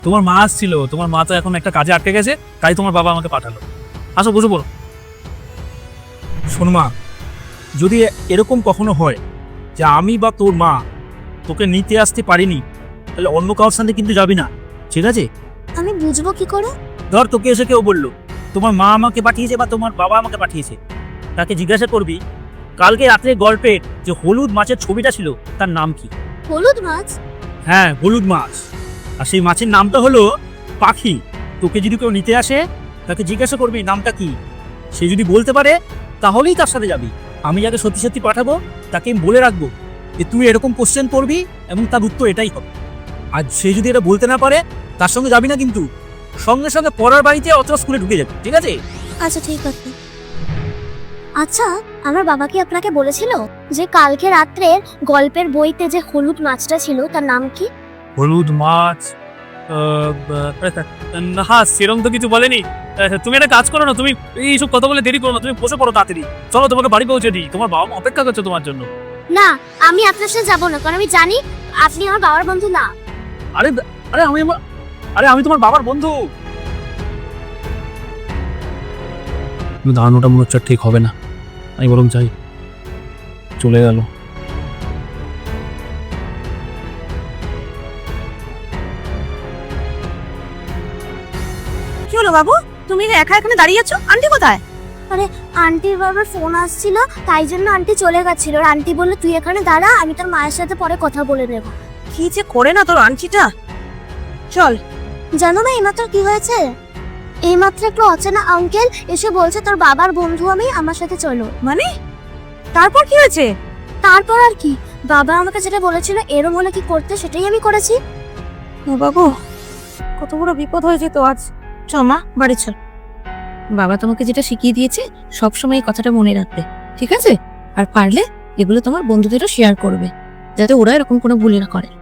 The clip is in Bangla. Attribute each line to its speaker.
Speaker 1: তোমার মা আসছিল, তোমার মা তো এখন একটা কাজে আটকে গেছে, তাই তোমার বাবা আমাকে পাঠালো। আসো বসে পড়ো। শোন মা, যদি এরকম কখনো হয় যে আমি বা তোর মা তোকে নিতে আসতে পারিনি, তাহলে অন্য কারোর সাথে কিন্তু যাবি না, ঠিক আছে?
Speaker 2: আমি বুঝবো কি করে?
Speaker 1: ধর তোকে এসে কেউ বললো তোমার মা আমাকে পাঠিয়েছে বা তোমার বাবা আমাকে পাঠিয়েছে, তাকে জিজ্ঞাসা করবি কালকে রাত্রে গল্পের যে হলুদ মাছের ছবিটা ছিল তার নাম কি।
Speaker 2: হলুদ মাছ?
Speaker 1: হ্যাঁ, হলুদ মাছ। আর সেই মাছের নামটা হলো পাখি। তোকে যদি কেউ নিতে আসে তাকে জিজ্ঞাসা করবি নামটা কি, সে যদি বলতে পারে তাহলেই তার সাথে যাবি। আমি যাকে সত্যি সত্যি পাঠাবো তাকে আমি বলে রাখবো যে তুই এরকম কোশ্চেন করবি এবং তার উত্তর এটাই হবে। আর সে যদি এটা বলতে না পারে তার সঙ্গে যাবি না, কিন্তু সঙ্গে সঙ্গে পড়ার বাড়িতে অথবা স্কুলে ঢুকে যাবে, ঠিক আছে?
Speaker 2: আচ্ছা ঠিক আছে। আচ্ছা, আমার বাবা কি আপনাকে বলেছিল যে কালকে রাত্রে গল্পের বইতে যে হলুদ মাছটা ছিল তার নাম কি?
Speaker 1: হলুদ মাছ? হ্যাঁ, সেরকম তো কিছু বলেনি। তুমি একটা কাজ করো না, তুমি এইসব কথা বলে দেরি করো না, তুমি বসে পড়ো তাড়াতাড়ি। চলো তোমাকে বাড়ি পৌঁছে দিই, তোমার বাবা মা অপেক্ষা করছে তোমার জন্য।
Speaker 2: না, আমি আপনার সাথে যাবো না, কারণ আমি জানি আপনি আমার বাবার বন্ধু না।
Speaker 1: আরে আরে আমি তোমার বাবার বন্ধু। দাঁড়ানোটা মনে হচ্ছে ঠিক হবে না, আমি বরং চাই। চলে গেল।
Speaker 3: কি হলো বাবু, তুমি একা এখানে দাঁড়িয়ে আছো? আন্টি কোথায়?
Speaker 2: আন্টির বাবার ফোন আসছিল, তাই জন্য আন্টি চলে গেছিল। আর আন্টি বললো তুই এখানে দাঁড়া, আমি তোর মায়ের সাথে পরে কথা বলে নেব।
Speaker 3: কি যে করে না তোর আন্টিটা। চল।
Speaker 2: জানো না এইমাত্র কি হয়েছে? এইমাত্র একটা অচেনা আঙ্কেল এসে বলছে তোর বাবার বন্ধু আমি, আমার সাথে চলো।
Speaker 3: মানে তারপর কি হয়েছে?
Speaker 2: তারপর আর কি, বাবা আমাকে যেটা বলেছিল এরম হলে কি করতে সেটাই আমি করেছি।
Speaker 3: ও বাবু, কত বড় বিপদ হয়ে যেত আজ। চল মা, বাড়ি চল। বাবা তোমাকে যেটা শিখিয়ে দিয়েছে সবসময় এই কথাটা মনে রাখবে, ঠিক আছে? আর পারলে এগুলো তোমার বন্ধুদেরও শেয়ার করবে, যাতে ওরা এরকম কোনো ভুল না করে।